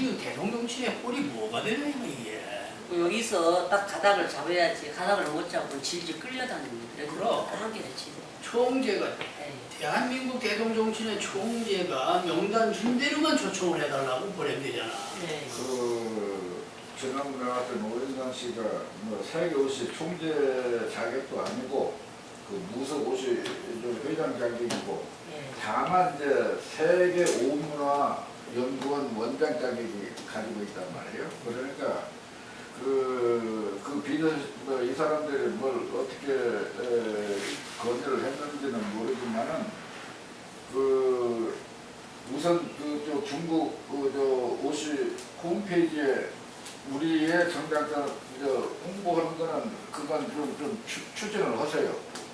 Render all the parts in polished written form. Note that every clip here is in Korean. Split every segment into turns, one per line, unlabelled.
이 대동정치의 꼴이 뭐가 되냐 이게.
여기서 딱 가닥을 잡아야지. 가닥을 못 잡고 질질 끌려다닙니다.
그럼.
한게 되지.
총재가
에이.
대한민국 대동정치의 총재가 명단 준 대로만 초청을 해달라고 보내면 되잖아.
네.
지난번에 나왔던 오인상 씨가 뭐 세계 옷이 총재 자격도 아니고 그 무석 옷이 회장 자격이고
네.
다만 이제 세계 오문화 연구원 원장 자격이 가지고 있단 말이에요. 그러니까 이 사람들이 뭘 어떻게 건의를 했는지는 모르지만은 우선 중국 옷이 홈페이지에 우리의 정당권 홍보하는 거는 그건 좀 추진을 하세요.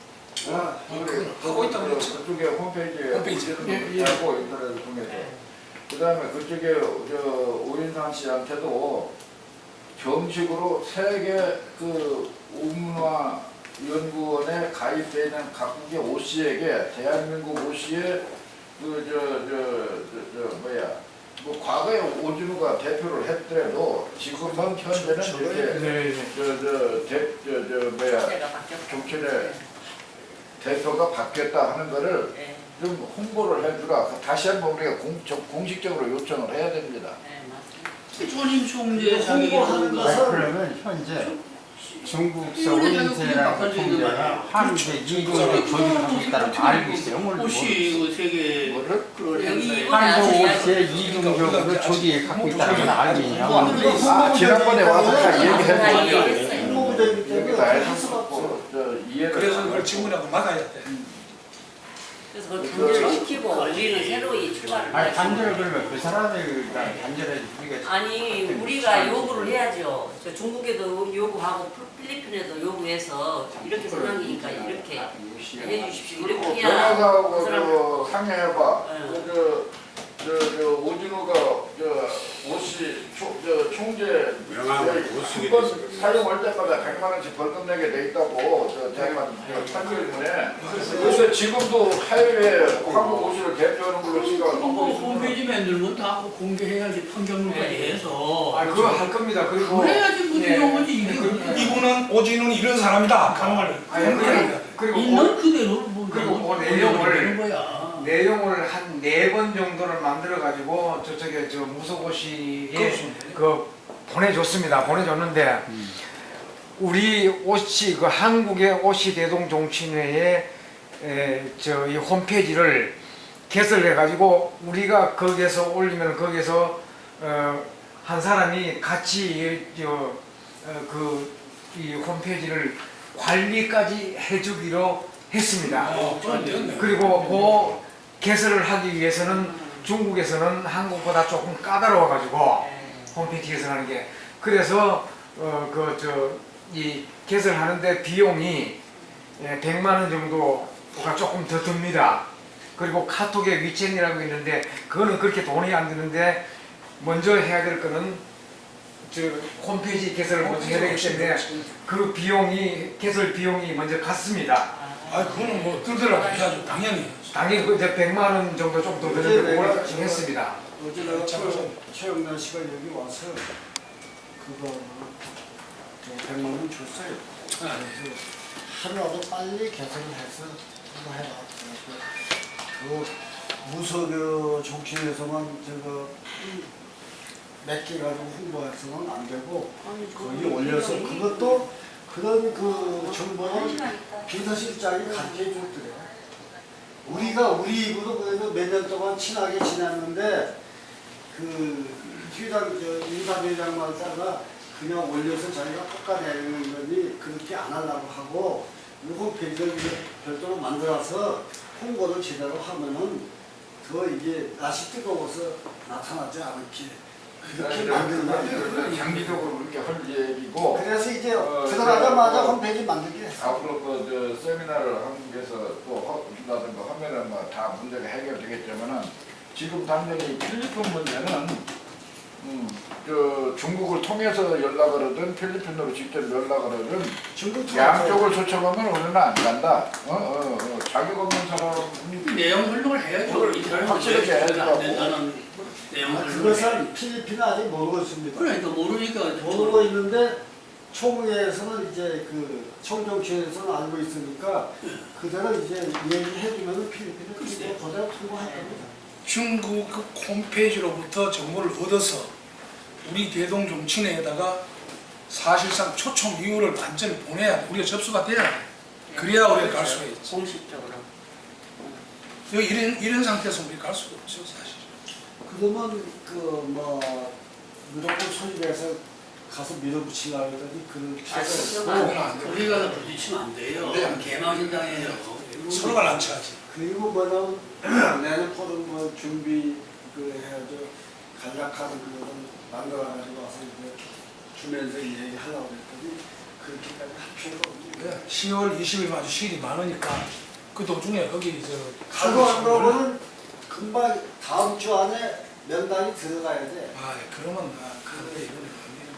하고 있다고 그랬죠.
그쪽에 홈페이지에
홈페이지.
하고 인터넷을 통해서. 그다음에 그쪽에 오인상 씨한테도 정식으로 세계 오문화 연구원에 가입되어 있는 각국의 오씨에게 대한민국 오씨의 뭐 과거에 오진우가 대표를 했더라도 지금은 현재는 이렇게 정치의 대표가 바뀌었다 하는 거를
네.
좀 홍보를 해주라. 다시 한번 우리가 공식적으로 요청을 해야 됩니다.
네, 맞습니다.
전임 총재
홍보하는
자격이
것은
그러면 현재 중국서 오인세라는 총재가 한국의 이동적 조직하고 있다는 거 알고 있어요.
혹시 그 세계
뭐를?
그
여기
행사에
이번에
한국
아주
옷에 이동적으로 조직에 갖고 있다는 건 알고 있냐?
지난번에 와서 다
다
얘기했는데
얘기했어요.
홍보되기
여기
때문에
다
할 수가 없어.
해서 이해를
그래서 그걸 질문하고 막아야 돼.
그래서 그걸 단절을 시키고 우리는 새로이 출발을
아니
해야지.
단절 그러면 그 사람을 단절해야지 우리가
아니 우리가 요구를 해야죠. 저 중국에도 요구하고 필리핀에도 요구해서 이렇게 상황이니까 이렇게 해주십시오. 이렇게 해야 그
변호사하고
사람
상의해봐.
네.
오진호가 옷이 총재
명함을 못 쓰게
한번
됐어요.
사용할 때마다 100만 원씩 벌금 내게 돼 있다고 제가 판결문에. 그래서 지금도 해외 한국 오시를 대표하는 걸로 지금
홈페이지 만들면 다 공개해야지 판결문까지 해서.
그거 할 겁니다. 그리고
그래야지 문제가 오지 이게.
이분은 오진우는 이런 사람이다. 하는 걸.
그리고
있는 그대로 뭐
그리고 그
되는 거야.
내용을 한 4번 정도를 만들어 가지고 저쪽에 무소고시에 보내줬습니다. 보내줬는데 우리 옷이 한국의 옷이 대동정치회의 이 홈페이지를 개설해 가지고 우리가 거기에서 올리면 거기에서 한 사람이 같이 이 홈페이지를 관리까지 해주기로 했습니다. 그리고 그 개설을 하기 위해서는 중국에서는 한국보다 조금 까다로워가지고 홈페이지 개설하는 게 그래서 이 개설하는데 비용이 100만 원 정도가 조금 더 듭니다. 그리고 카톡에 위챗이라고 있는데 그거는 그렇게 돈이 안 드는데 먼저 해야 될 거는 홈페이지 개설을 먼저 해야 되기 때문에 그 비용이 개설 비용이 먼저 갔습니다.
그거는 뭐 들더라도 해야죠. 당연히.
당연히 그 이제 100만 원 정도 좀 더 드는데 그걸 정했습니다.
어제 내가 최영란 씨가 여기 와서 그거 100만 원 줬어요. 그래서 하루라도 빨리 개선을 해서 그거 해라. 그 무석 정치에서만 몇 개 가지고 홍보해서는 안 되고 거기 올려서 그것도 그런 정보는 비서실장이 가르쳐 줬더래. 우리 입으로 그래도 몇 년 동안 친하게 지냈는데 인사대장 말다가 그냥 올려서 자기가 깎아내는 거니 그렇게 안 하려고 하고 홈페이지를 별도로 만들어서 홍보를 제대로 하면은 더 이게 날씨 뜨거워서 나타나지 않게 그렇게 만든다는
장기적으로 그렇게 할 얘기고.
그래서 이제 들어가자마자 홈페이지 만들게 했어.
앞으로 세미나를 한국에서 또 한다든가 하면은 다 문제가 해결되겠지만은 지금 당장의 필리핀 문제는 중국을 통해서 연락을 하든 필리핀으로 직접 연락을 하든 양쪽을 초청하면 우리는 안 간다. 자격 없는 사람
내용 설명을 해야죠.
확실하게 해야
안 된다는 내용을
그것은 필리핀은 아직 모르고 있습니다.
그러니까 모르니까
모르고 있는데 총회에서는 이제 그 총정치에서는 알고 있으니까 그대로 이제 얘기해주면 필리핀은
글쎄.
그대로 통보할 겁니다.
중국 홈페이지로부터 정보를 얻어서 우리 대동 정치내에다가 사실상 초청 이유를 완전히 보내야 돼. 우리가 접수가 돼야 돼. 그래야 우리가 갈 수가 있지.
공식적으로.
여기 이런 상태에서 우리 갈 수가 없죠, 사실.
그러면 그 뭐 무조건 소집해서 가서 밀어붙이려고 하더니 그런 필요가
그건
없고
안 돼.
우리가 부딪히면 안 돼요.
네.
개망신당해요.
서로가 난처하지.
그리고 뭐냐면 내년 포럼 뭐 준비 그 해야죠. 간략하는 그거는 만들어가지고 와서 이제 주면서 얘기하려고 했더니 그렇게까지 할 필요가 없는
10월 20일 아주 시일이 많으니까 그 도중에 거기
가고 안 가고는 금방 다음 주 안에 면담이 들어가야 돼.
아, 그러면 그래 이거는 안 되는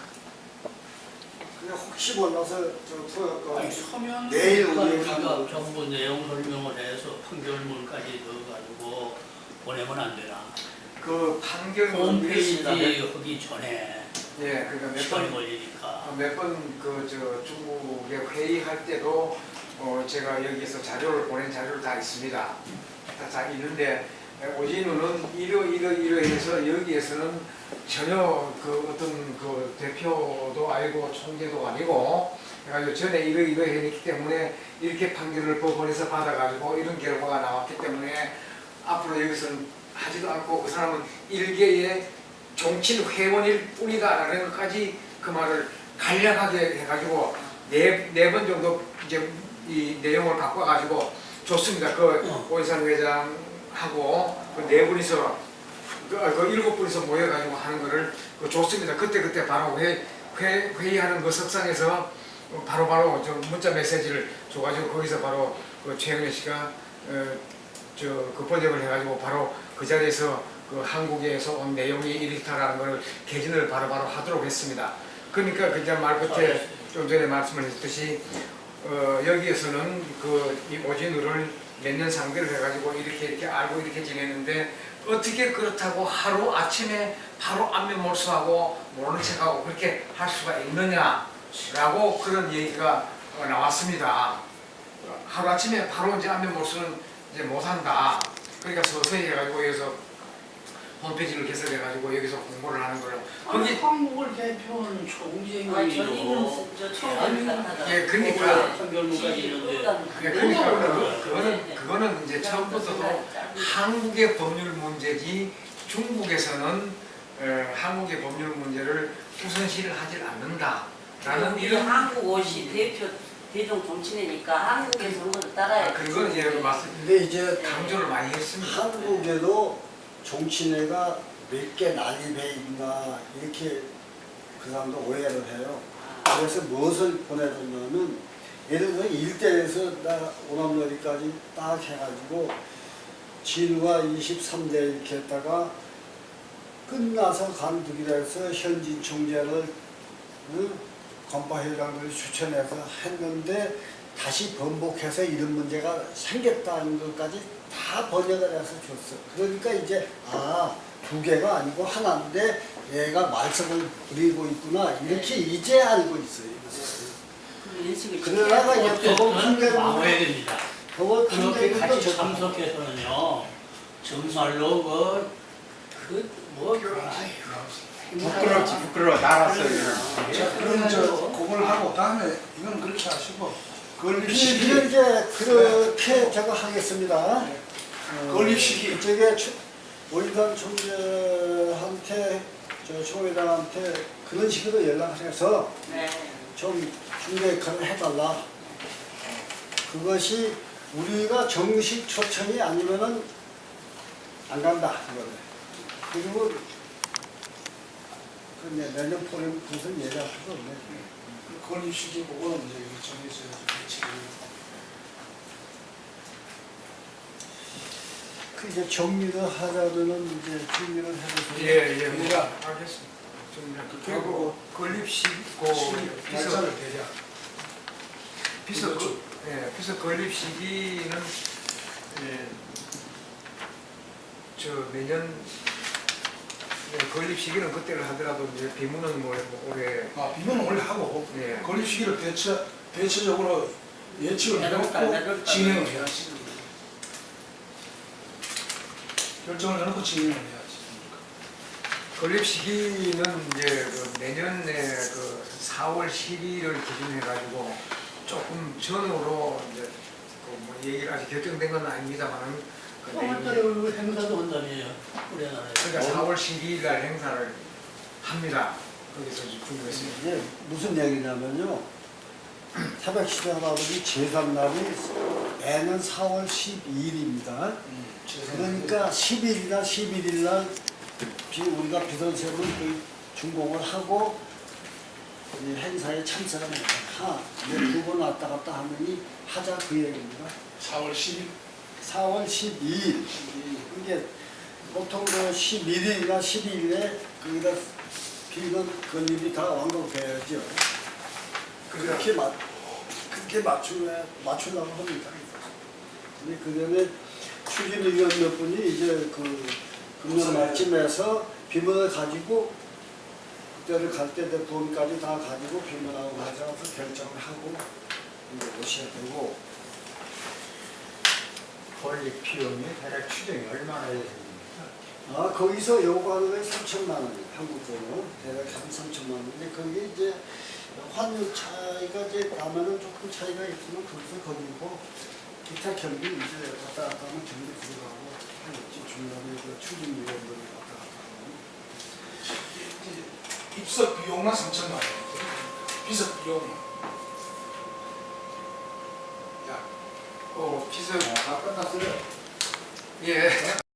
그냥 혹시 몰라서 저 토요일
아니 서면
내일 우리가
우리가 정부 내용 설명을 해서 판결문까지 넣어가지고 보내면 안 되나?
그 판결문
홈페이지 하기 전에
예, 그러니까
시간이 걸리니까.
몇 번 그 저 중국에 회의할 때도 제가 여기서 자료를 보낸 자료를 다 있습니다. 다 있는데 오진우는 이러해서 여기에서는 전혀 그 어떤 그 대표도 아니고 총재도 아니고 그래가지고 전에 이러했기 때문에 이렇게 판결을 법원에서 받아가지고 이런 결과가 나왔기 때문에 앞으로 여기서는 하지도 않고 그 사람은 일개의 정치인 회원일 뿐이다라는 것까지 그 말을 간략하게 해가지고 네 번 정도 이제 이 내용을 바꿔가지고 좋습니다. 그 오인산 회장하고 그 네 분이서 그 일곱 분이서 모여가지고 하는 거를 그 좋습니다. 그때 바로 회의하는 그 석상에서 바로 좀 문자 메시지를 줘가지고 거기서 바로 그 최영래 씨가 그 번역을 해가지고 바로 그 자리에서 그 한국에서 온 내용이 이렇다라는 걸 개진을 바로바로 하도록 했습니다. 그러니까 그냥 말 끝에 좀 전에 말씀을 했듯이 여기에서는 이 오진우를 몇 년 상대를 해가지고 이렇게 알고 이렇게 지냈는데 어떻게 그렇다고 하루 아침에 바로 안면 몰수하고 모르는 척하고 그렇게 할 수가 있느냐라고 그런 얘기가 나왔습니다. 하루 아침에 바로 이제 안면 몰수는 이제 못한다. 그러니까 서서히 해가지고 여기서 홈페이지를 개설해가지고 여기서 공부를 하는 거예요.
아니 한국을 대표하는
아니
총재님이요.
저희는 저 총회를 갖다가.
예, 그러니까
판결문까지 있는데
그러니까 그거는 이제 처음부터도 한국의 법률 문제지 중국에서는 한국의 법률 문제를 우선시를 하지 않는다라는
이런 한국 옷이 대중 정치내니까 한국에서 한 것을 따라야
그건 이제 말씀
근데 이제
강조를 많이 했습니다.
한국에도 정치내가 몇 개 난입해 있나 이렇게 그 사람도 오해를 해요. 그래서 무엇을 보내줬냐면 예를 들어 일대에서 나 오남여리까지 딱 해가지고 진우가 23대 이렇게 했다가 끝나서 간두기로 해서 현진 총재를 건파회장을 추천해서 했는데 다시 번복해서 이런 문제가 생겼다는 것까지 다 번역을 해서 줬어. 그러니까 이제 두 개가 아니고 하나인데 얘가 말썽을 부리고 있구나 이렇게 이제 알고 있어요.
인식을
그러다가 이제 법원 판결문도
막아야 됩니다.
법원
그렇게
판결문도
같이 참석해서는요. 정말로
부끄러워 나갔어요.
자, 그럼 그걸 하고 다음에 이건 그렇게 하시고 건립시기
이제 그렇게 제가 하겠습니다.
건립시기
저게 오인산 총재한테 저 총회장한테 그런 식으로 연락을 해서
네.
좀 중재 역할을 해달라. 그것이 우리가 정식 초청이 아니면은 안 간다. 그리고 내년 포럼 무슨 얘기할 수도 없네.
건립시기 그거는 이제 정해서 지금
그 이제 정리를 하자면은 이제 정리를 해서
예,
우리가
알겠습니다. 좀
그리고
건립시고
날짜를 대략
비서 비서 건립 시기는 저 매년 건립 시기는 그때를 하더라도 이제 비문은 뭐 올해
비문은 원래 하고
예.
건립 시기를 대체적으로 예측을 해놓고 진행을 해야지. 결정을 해놓고 진행을 해야지.
건립 시기는 이제 그 내년에 그 4월 12일을 기준해가지고 조금 전으로 이제 그뭐 얘기를 아직 결정된 건 아닙니다만은 그
4월달에 행사도 한다며요. 우리나라에.
그러니까 4월 12일 날 행사를 합니다. 거기서 중국에서.
이게 무슨 얘기냐면요. 태백시대 할아버지 제삼날이 애는 4월 12일입니다. 그러니까 10일이나 11일 날 우리가 비선세는 그 준공을 하고 이 행사에 참석을 했다. 두 번 왔다 갔다 하느니 하자 그 얘기입니다.
4월 10일?
4월 12일. 이게 보통 그 11일이나 12일에 거기다 비건 건립이 다 완공돼야죠. 그렇게 맞추려고 합니다. 근데 그 전에 추진위원 몇 분이 이제 그 금년 말쯤에서 비문을 가지고 그때를 갈 때 돈까지 다 가지고 비문하고 가져와서 결정을 하고 이제 오셔야 되고.
건립 비용이 대략 추정이 얼마나 되십니까?
거기서 요구하는 게 3천만 원이에요. 한국 돈으로 대략 한 3천만 원인데 그게 이제 환율 차이가 이제 나면은 조금 차이가 있지만 거기서 거기고 기타 경비 이제 왔다 갔다 하면 경비 들어가고 하겠지. 중간에 그 추진위원들이 왔다 갔다 하면.
입석 비용만 3천만 원. 비석 비용.
비서
다 끝났어요.
예.